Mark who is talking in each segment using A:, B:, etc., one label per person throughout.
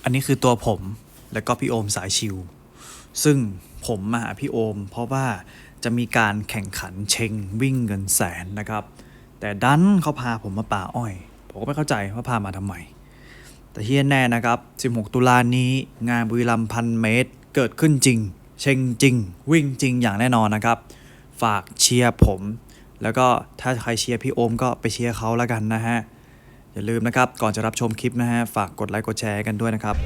A: นนี้คือตัวผมแล้วก็พี่โอมสายชิวซึ่งผมมาหาพี่โอมเพราะว่าจะมีการแข่งขันเชงวิ่งเงินแสนนะครับแต่ดันเขาพาผมมาป่าอ้อยผมก็ไม่เข้าใจว่าพามาทำไมแต่ที่แน่นะครับ16ตุลานี้งานบุรีรัมย์1,000 เมตรเกิดขึ้นจริงเชงจริงวิ่งจริงอย่างแน่นอนนะครับฝากเชียร์ผมแล้วก็ถ้าใครเชียร์พี่โอมก็ไปเชียร์เขาแล้วกันนะฮะอย่าลืมนะครับก่อนจะรับชมคลิปนะฮะฝากกดไลค์กดแชร์กันด้วยนะครับ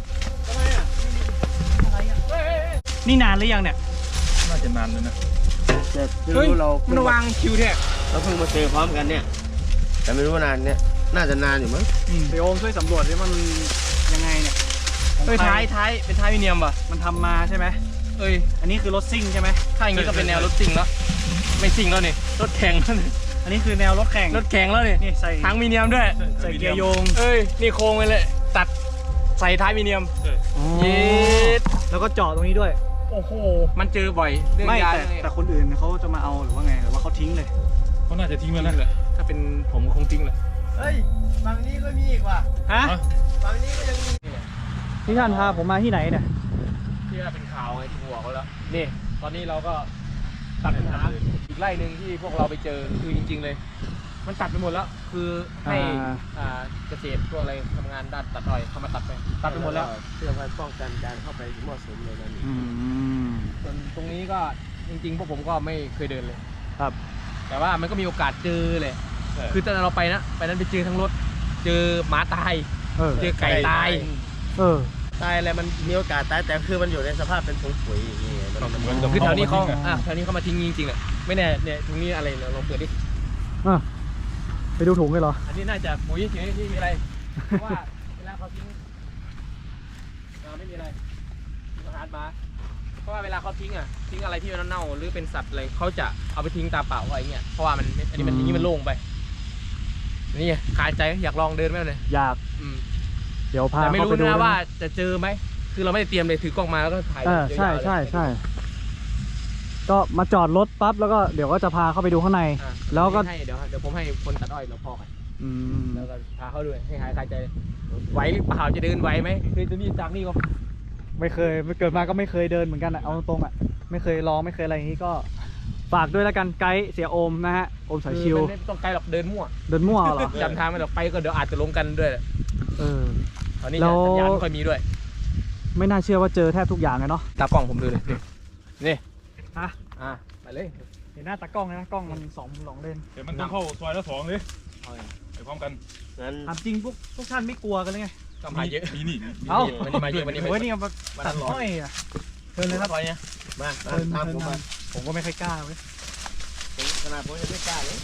A: นี่นานหรือยังเนี่ย
B: น่าจะนานแล้วนะ
C: แต่ไม่รู้เรา
D: มันวางคิวเนี่ย
C: เราเพิ่งมาเจอพร้อมกันเนี่ยแต่ไม่รู้ว่านานเนี่ยน่าจะนานอยู่มั้ง
A: พี่โอมช่วยสำรวจดิมันยังไงเนี่ย
D: ท้ายเป็นท้ายวิเนียมป่ะ
A: มันทำมาใช่ไหมอันนี้คือรถซิ่งใช่ไหม
D: ถ้าอย่างนี้ก็เป็นแนวรถซิ่งแล้วไม่ซิ่งแล้วนี่รถแข่งแล้วนี่
A: อันนี้คือแนวรถแข่ง
D: แล้วนี่
A: ใส่
D: ทั้งวิเนียมด้วย
A: ใส่เกียร์โยง
D: นี่โค้งไปเลยตัดใส่ท้ายวิเนียม
A: เย็ดแล้วก็เจาะตรงนี้ด้วย
D: โอ้โหมันเจอบ่อย
A: ไม่แต่คนอื่นเขาจะมาเอาหรือว่าไงหรือว่าเขาทิ้งเลย
B: เขาน่าจะทิ้งแล้วนะ
D: ถ้าเป็นผมก็คงทิ้งแหละ
C: ฝั่งนี้ก็มีอีกว่ะ
A: ฮะ
C: ฝั่งนี้ก็ยังมี
A: ที่ท่านพาผมมาที่ไหนเนี่ย
D: ที่ว่าเป็นข่าวไงที่หัวเขาแล้วนี่ตอนนี้เราก็ตัดปัญหาอีกไร่หนึ่งที่พวกเราไปเจอคือจริงๆเลยมันตัดไปหมดแล้วคือให้เกษตรพวกอะไรทำงานด้านตัดอ้อยเข้ามาตัดไปหมดแล้ว
C: เพื่อป้องกันการเข้าไปมั่วสุมเลยนะนี่
D: ส่วนตรงนี้ก็จริงๆพวกผมก็ไม่เคยเดินเลย
A: ครับ
D: แต่ว่ามันก็มีโอกาสเจอเลยคือตอนเราไปนั้นไปเจอทั้งรถเจอหมาตายเจอไก่ตาย
C: ตายอะไรมันมีโอกาสตายแต่คือมันอยู่ในสภาพเป็นถุงปุ๋ยอย่างเงี้ย
D: คือแถวนี้เขามาทิ้งจริงๆแหละไม่แน่เนี่ยตรงนี้อะไรเราลองเปิดดิ
A: ไปดูถุงเลยเหรอ
D: อันนี้น่าจะปุ๋ยเฉยๆที่มีอะไรเพราะว่าเวลาเขาทิ้งไม่มีอะไรอาหารมาเพราะว่าเวลาเขาทิ้งอะไรที่มันเน่าหรือเป็นสัตว์อะไรเขาจะเอาไปทิ้งตาเปล่าอะไรเงี้ยเพราะว่ามันอันนี้มันทิ้งมันโล่งไปนี่คาใจอยากลองเดินไหมเลย
A: อยากเดี๋ยวพา
D: แต่ไม่รู้นะว่าจะเจอไหมคือเราไม่ได้เตรียมเลยถือกล้องมาแล้วก็ถ่าย
A: ใช่ก็มาจอดรถปั๊บแล้วก็เดี๋ยวก็จะพาเข้าไปดูข้างในแล้วก็
D: เดี๋ยวผมให้คนตัดอ้อยเราพอกันแล้วก็พาเขาด้วยให้หายคาใจไหวหรือเปล่าจะเดินไหวไหมคือจะมีจากนี่ก็
A: ไม่เคยไม่เกิดมาก็ไม่เคยเดินเหมือนกันเอาตรงไม่เคยลองไม่เคยอะไรอย่างนี้ก็ฝากด้วยแล้วกันไกด์เสียโอมนะฮะโอมสายชิว
D: ไม่ต้องไกด์หรอกเดินมั่ว
A: เหรอ
D: จำทางไม่หรอกไปก็เดี๋ยวอาจจะลงกันด้วยตอนนี้สัญญาณไม่ค่อยมีด้วย
A: ไม่น่าเชื่อว่าเจอแทบทุกอย่างเลยเนาะ
D: ตากล้องผมดูเลยนี่ไปเลย
A: เห็นหน้าตากล้องนะกล้องมัน2 เลน
B: เดี๋ยวมันต้องเข้าซอยละ2เลยไปพร้อมกัน
A: ถามจริงพวกท่านไม่กลัวกันเลยไง
D: ก็มาเยอะ
B: มีนี่
D: วันนี้มาเยอะวันนี้
A: นี่มาตัดอ้อยเชิญเลยครับ
D: อยเนี่ย
C: มาตาม
A: ผมก็ไม่ค่อยกล้าเว้ย
C: ขนาดผมยังไม่กล้าเลย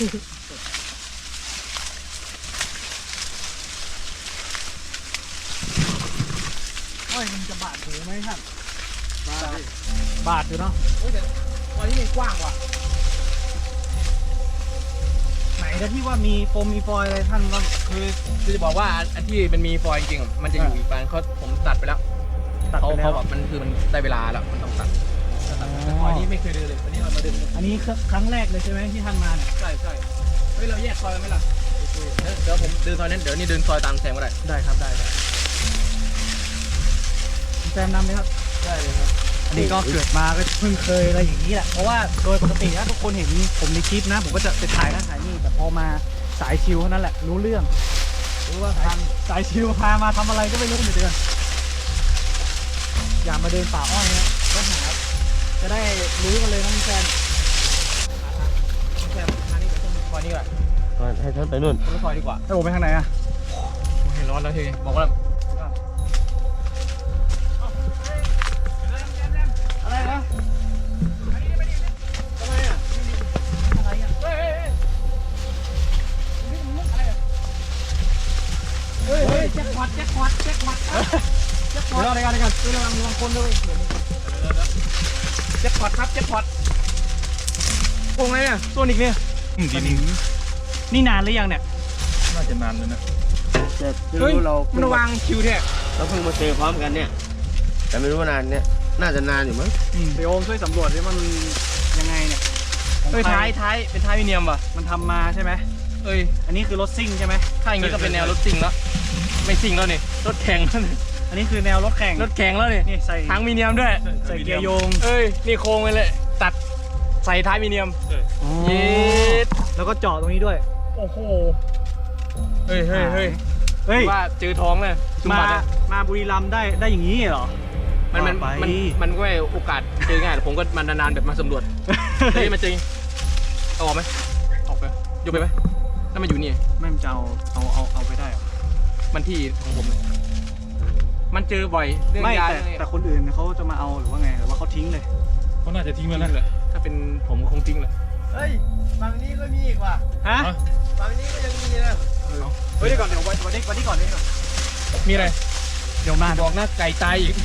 A: อ้อยมันจะบาดหูไหมครับบาดอยู่เนาะ
D: แต่ตอนนี้มันกว้างว่ะ
A: ไหนแล้วที่ว่ามีโฟมมีฟอยอะไรท่านว่า
D: คือจะบอกว่าอันที่มันมีฟอยจริงๆมันจะอยู่อีกบ้านผมตัดไปแล้วเขาแบบมันคือมันได้เวลาแล้วมันต้องตัดแต่ฟอยนี้ไม่เคยเดินเลยวันนี้เรามาเดิน
A: อันนี้ครั้งแรกเลยใช่ไหมที่ท่านมาเนี่ย
D: ใช่เฮ้ยเราแยกซอยกันไหมล่ะเดี๋ยวผมเดินซอยนั้นเดี๋ยวนี่เดินซอยตามแซมก็
A: ได้ครับได้แซมนำไหมครับ
D: ได้เลยครับ
A: อันนี้ก็เกิดมาก็เพิ่งเคยอะไรอย่างนี้แหละเพราะว่าโดยปกตินะทุกคนเห็นผมในคลิปนะผมก็จะไปถ่ายนั่นถ่ายนี่แต่พอมาสายชิวเท่านั้นแหละรู้เรื่องรู้ว่าสายชิวพามาทำอะไรก็ไม่รู้เหมือนกันอยากมาเดินป่าอ้อยนะก็หาจะได้รู้กันเลยนะแฟน
D: ทางนี้ไปตรงซอยนี้ก่อน
C: ให้ท่านไปนู่น
D: ตรงซอยดีกว่า
A: ให้ผมไปทางไหนอะ
D: เห็นร้อนแล้วทีบอกว่า
A: อะไรนะอะไรอ่ะเฮ้ยแจ็คพอตเราได้กันระวังคนด้วย
D: แจ็คพอตครับแจ็คพอตโกงอะไรเนี่ยตัวนิกเนี่ย
A: นี่นานหรือยังเนี่ย
B: น่าจะนานแล้วนะ
C: แต่ไม่รู้เรา
D: มันวางคิวเนี่ย
C: เราเพิ่งมาเจอพร้อมกันเนี่ยแต่ไม่รู้ว่านานเนี่ยน่าจะนานอยู่มั้ง
A: พี่โอมช่วยสำรวจดิมันยังไงเนี่ย
D: ท้ายเป็นท้ายวิเนียมป่ะ
A: มันทำมาใช่ไหมอันนี้คือรถซิ่งใช่ไหม
D: ถ้าอย่างนี้ก็เป็นแนวรถซิ่งแล้วไม่ซิ่งแล้วนี่รถแข่งแล้วนี่
A: อันนี้คือแนวรถแข่ง
D: รถแข่งแล้วนี่
A: นี่ใส่
D: ทางมีเนียมด้วย
A: ใส่เกียร์โยง
D: เอ้ยนี่โค้งไปเลยตัดใส่ท้ายมีเนียมเย็ด
A: แล้วก็เจาะตรงนี้ด้วย
D: โอ้โหเฮ้ย
A: เฮ้ย
D: ว่าเจอท้องเลยจุ่ม
A: มา
D: บัตรเลย
A: มาบุรีรัมย์ได้อย่างนี้เหรอ
D: มันก็ไม่โอกาสเจอง่ายแต่ผมก็มานานๆแบบมาสำรวจเฮ้ยมาเจอเอาออกไหมออกไปยกไปไหมถ้ามันอยู่นี่
A: ไม่มันจะเอาไปได้เหรอ
D: มันที่ของผมเลยมันเจอบ่อยเรื่อง
A: ไม่
D: ยา
A: แต่คนอื่นเขาจะมาเอาหรือว่าไงหรือว่าเขาทิ้งเลย
B: เขาน่าจะทิ้ง
D: ทิ้
B: แล้
D: ง
B: ว
D: เล
B: นะ
D: ยถ้าเป็นผมก็คงทิ้งแหละ
C: เฮ้ยฝั่งนี้ก็มีอีกว่ะ
A: ฮะ
C: ฝั่งนี้ก็ยังมีนะ
A: เฮ้ยเดี๋ยวก่อนเดี๋ยววันนี้ก่อนนี่ก่อน
D: มีอะไร
A: เดี๋ยวมา
D: บอกนะไก่ตายอีก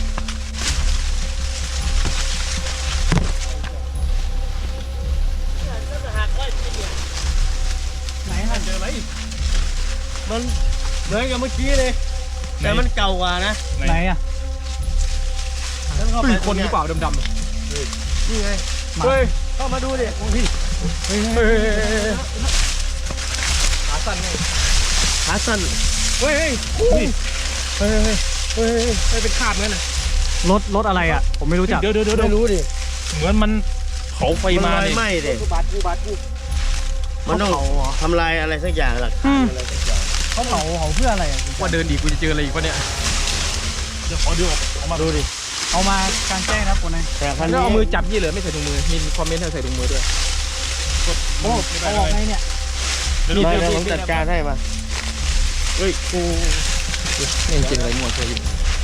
C: ก็จะหักไว้กินเนี่ย
A: ไหนฮะ
B: เจออะไร
C: มันเหมือนกับเมื่อกี้เลยแต่มันเก่ากว่านะ
A: ไหนอ่ะ
C: แล้วเข้าไป
D: คนหรือเปล่าดำ
C: นี่ไง
D: เฮ้ย
C: เข้ามาดูดิ
D: ขาสั้นไง
C: ขาสั้น
D: เฮ้ยเป็นคราบงั้นน่ะ
A: รถอะไรอ่ะ ผมไม่รู้จัก
B: เดี๋ยว
C: ไม่รู้ดิ
B: เหมือนมันเผาไฟมา
C: มันลอย
B: เนี่ย
C: ไหม้ดิ
D: บาดกู
C: มันต้องทำลายอะไรสักอย่างหลักฐานอะไรสักอย่าง
A: เขาเผาเพื่ออะไรอ่ะ
D: ว่าเดินดีกูจะเจออะไรอีกวะเนี่ย
B: เดี๋ยวขอดูออกมา
C: ดูดิ
A: เอามากางแจ้งนะคนไหน
C: แต่คัน
D: แล้ว
C: นี้
D: เอามือจับยี่เหลือไม่ใส่ถุงมือมีคอมเมนต์ให้ใส่ถุงมือด้วย
A: โอ้เอาออกไงเนี่ย
B: เดี๋ยวดู
C: ไม่
B: เดี๋ยว
C: เดี๋ยวผมจัดการให้มาเฮ้ยกู
D: นี่จริงอะไรมั่วเธออยู่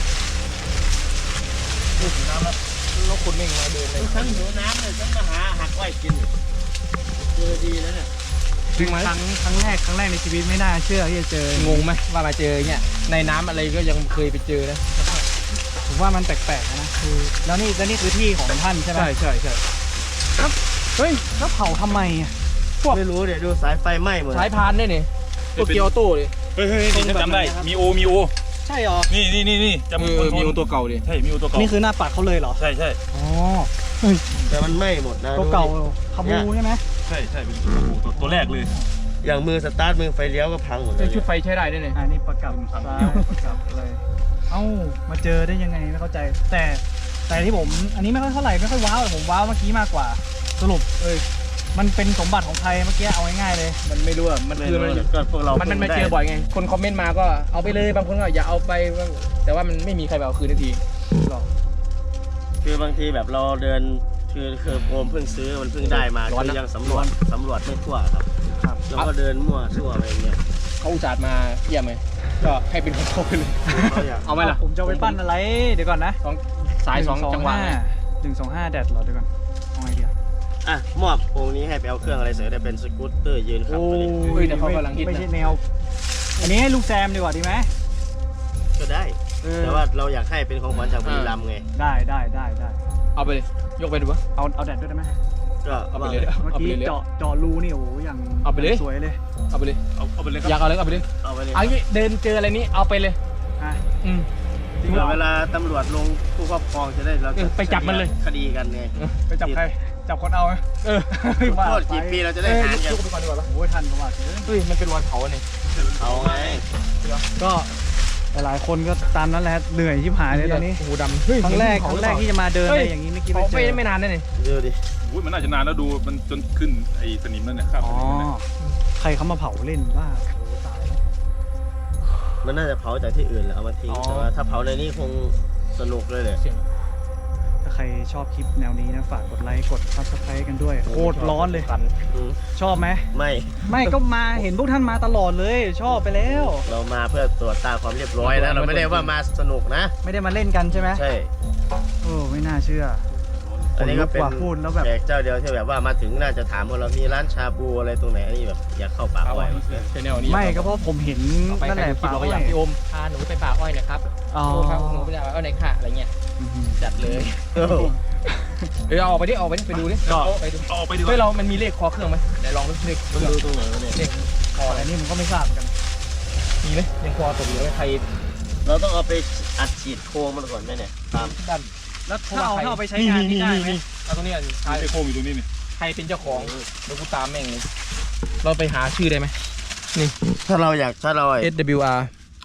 D: แล้วคนไม่งมาเดินเลย
C: ฉันหิวน้ำเลยฉันมาหาหักไว้กินเจอดีแล้วเนี่ย
D: จริงไหม
A: ครั้งแรกในชีวิตไม่น่าเชื่อที่จะเจอง
D: งไหมว่ามาเจอเนี่ยในน้ำอะไรก็ยังเคยไปเจอนะ
A: ผมว่ามันแปลกๆนะคือแล้วนี่คือที่ของท่านใช่ไหม
D: ใช่
A: เฮ้ยแล้วเผาทำไมอ่ะ
C: ไม่รู้เดี๋ยวดูสายไฟไหม้หมด
D: สายพานเนี่ยนี่ตัวเกียวโต้ดิ
B: เฮ้ยนี่ฉันจำได้มีโอ
A: ใช่หรอ
B: นี่จำ
D: มีตัวเก่าดิ
B: ใช่มีโอตัวเก่า
A: นี่คือหน้าปัดเขาเลยเหรอ
B: ใช่
A: อ๋อ
C: แต่มันไหม้หมดนะ
A: ตัวเก่า
C: ดูดิ
A: ขบูใช่ไหม
B: ใช่เป็นตัวแรกเลย
C: อย่างมือสตาร์ทมือไฟเลี้ยวก็พังหมดเล
D: เป็
C: ย
D: นชุดไฟใช้ได้ด้วยเนี่ย
A: อันนี้ประกับซ้ายประกับเลย เอ้ามาเจอได้ยังไงไม่เข้าใจ แต่ที่ผมอันนี้ไม่ค่อยเท่าไหร่ไม่ค่อยว้าวแต่ผมว้าวเมื่อกี้มากกว่า สรุปมันเป็นสมบัติของใครเมื่อกี้เอาง่ายๆเลย
D: มันไม่รู้อ่ะมันคือมัน
C: ก็พวกเรา
D: มันมาเจอบ่อยไงคนคอมเมนต์มาก็เอาไปเลยบางคนก็อย่าเอาไปแต่ว่ามันไม่มีใครไปเอาคืนทันที
C: คือบางทีแบบเราเดินคือโอมเพิ่งซื้อมันเพิ่งได้มาคือยังสำรวจไม่ทั่วครับแล้วก็เดินมั่วซั่วอะไรเงี้ย
D: เขาอุตส่าห์มาเยี่ยมเลยก็ให้เป็นของเขาไปเลย
C: เขาอยาก
D: เอาไหมล่ะ
A: ผมจะเอาไปปั้นอะไรเดี๋ยวก่อนนะ
D: สายสองจังหวะไง
A: 125แดดเหรอเดี๋ยวก่อนเอาไงดีอะ
C: อ่ะมอบองค์นี้ให้ไปเอาเครื่องอะไรเสริมได้เป็นสกูตเตอร์ยืนขับไปเลย
D: เฮ้ยเดี๋ยวเขากำลังฮิต
A: ไม่ใช่
D: นะ
A: แนว อันนี้ให้ลูกแซมดีกว่าดีไหม
C: ก็ได้ แต่ว่าเราอยากให้เป็นของขวัญจากบุรีรัมย์ไง
A: ได้
D: เอาไปเลยยกไปดูวะ
A: เอาแดดด้วยได้ไหม
C: ก็
D: เอาไป
C: ว่า
D: เลย
A: เมื่อ
D: เอาไป
A: กี้
D: เลย
A: เจาะรูนี่โอ้โหอย่าง
D: เอาไปเลย
A: สวยเลย
D: เอาไปเลย
B: เอาไปเลยค
D: อยา
B: รับ
D: กเอาเลยเอาไปเลย
C: เอาไปเลย
D: เอางี้เดินเจออะไรนี้เอาไปเลย
A: อ่ะ
D: อืม
A: จริง
C: เผื่
A: เหร
C: อ
A: อ
C: เวลาตำรวจลงผู้ครอบครองจะได้เรา
D: ไปจับมันเลย
C: คดีกันไง
A: ไปจับใครจับคนเอาไหม
D: เออ
C: โทษกี่ปีเราจะได้หารกัน
D: ยกไปก่อนดีกว่าปะ
A: โอ้ยทันกว่าสิ
D: เฮ้ยมันเป็นวันเผาเนี่ย
C: เอาไง
A: ก็หลายๆคนก็ตามนั้นแหละเหนื่อยชิบหายเลยตอนนี้
D: หูดำเฮ้ย
A: ครั้งแรกที่จะมาเดินอะไรอย่างนี้ไม่คิด
D: เผา
A: ว่าเจอ
D: ไม่นานนะนี่
C: ดูดิ
B: อุ้ยมันน่าจะนานแล้วดูมันจนขึ้นไอ้สนิมนั่นเนี่ยครับ
A: อ๋อใครเขามาเผาเล่นบ้าโอ้ตายแล้ว
C: มันน่าจะเผาจากที่อื่นแหละเอามาทิ้ง
A: อ๋อ
C: แต่ว่าถ้าเผาในนี้คงสนุกเลยเลย
D: เสียง
A: ถ้าใครชอบคลิปแนวนี้นะฝากกดไลค์กด Subscribe กันด้วยโคตรร้อนเลย
D: กัน
C: อืม
A: ชอบไหม
C: ไม่
A: ก็มาเห็นพวกท่านมาตลอดเลย ชอบไปแล้ว
C: เรามาเพื่อตรวจตาความเรียบร้อยนะเราไม่ได้ว่ามาสนุกนะ
A: ไม่ได้มาเล่นกันใช่ไหม
C: ใช่
A: โอ้ไม่น่าเชื่อ
C: อันนี้ก็เป็น
A: ขนลุกว่ะพูดแล้วแบบ
C: แขกเจ้าเดียวที่แบบว่ามาถึงน่าจะถามว่าเรามีร้านชาบูอะไรตรงไหนอันนี้แบบอยากเข้าป่า
D: ป่า
C: อ้
D: อ้
C: อ
D: อย ยชแนลนี้
A: ไม่ก็เพราะผมเห็น
D: ไป
A: นั่นแหละ
D: คลิป
A: ป่า
D: เรา
A: อ้
D: ก็
A: อ
D: อยาก
A: ย
D: พี่โอมพาหนูไปป่าอ้อยนะครับ
A: อ๋อ
D: โอ้พาหนูไปป่าอ้อยในค่ะอะไรเงี้ยจัดเลยเอาออกไปดิไปดูดิ
B: ก็
D: ไปดู
B: เอาไปดีก
D: เฮ้ย
B: ว่า
D: เรามันมีเลขคอเครื่องไหมเดี๋ยวลองดูเลข
C: มันดูตรงไหนวะเนี่ย
D: เลขคออะไร
A: อันนี้ผมก็ไม่ทราบเหมือนกัน
D: มีไหมยังคอตกอยู่ไหมใคร
C: เราต้องเอาไปอัดฉีดโครงมันก่อนไหมเนี่ยตาม
D: ด้าน
A: แล้วถ้าเอาไปใช้งานนี่ได้ไหม
D: เอาตรงนี้อ่ะใคร
B: ไอ้โค้งอยู่ตรงนี้นี่
D: ใครเป็นเจ้าของเดี๋ยวกูตามแม่งเลยเราไปหาชื่อได้ไหมนี่
C: ถ้าเรา
D: SWR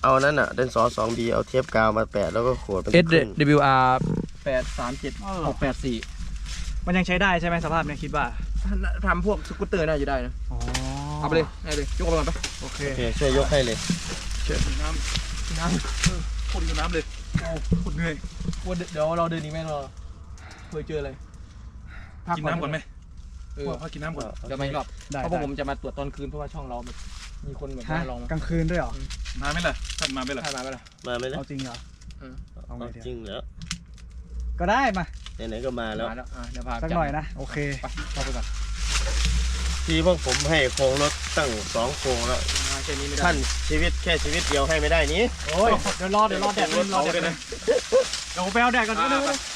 C: เอานั้นอ่ะเดนซอ 2B เอาเทปกาวมาแปะแล้วก็ขวดเป็น
D: SWR 837684
A: มันยังใช้ได้ใช่ไหมสภาพเนี่ยคิดว่า
D: ทำพวกสกูตเตอร์น่าจะได้นะ
A: อ๋อ
D: เอาไปเลยได้เลยยกเอาไปก่อนไป
A: โอเค
C: โอเคช่วยยกให้เลย
B: น้ำคนอยู่น้ำเลยโอ้คนเหนื่อย
D: ว่าเดี๋ยวเราเดินอีกไหมเราเคยเจออะไร
B: กินน้ำก่อนไหม
D: เออ
B: พ่อกินน้ำก่อน
D: เดี๋ยวมาอีกรอบ
A: ได้
D: เพราะพวกผมจะมาตรวจตอนคืนเพราะว่าช่องเราแบบมีคนแบบ
A: ฮะ
D: มาลองมาก
A: ลางคืนด้วยเหรอ
B: มาไหมล่ะท่านมาไหมล่ะ
D: ใช่มาไหมล่ะ
C: มาไหมล่ะ
A: เอาจริงเหรอ เอาไง
C: เอา
A: เดี๋ยว
C: จริงเหรอ
A: ก็ได้มา
C: ไหนๆก็มาแล้ว
D: มาแล้วเดี๋ยวพา
A: สักหน่อยนะ โอเค
D: ไปเข้าไปก่อน
C: ที่พวกผมให้โครงรถตั้ง2โครงแล้ว
D: มาแค่นี้ไม่ได้
C: ท่านชีวิตแค่ชีวิตเดียวให้ไม่ได้นี้
A: โอ้ย เดี๋ยวรอแดดรอแดด
B: เลยนะ
A: เดี๋ยวผมไปเอาแดดก่อน
B: อ่า
A: ก็ได้
B: ไป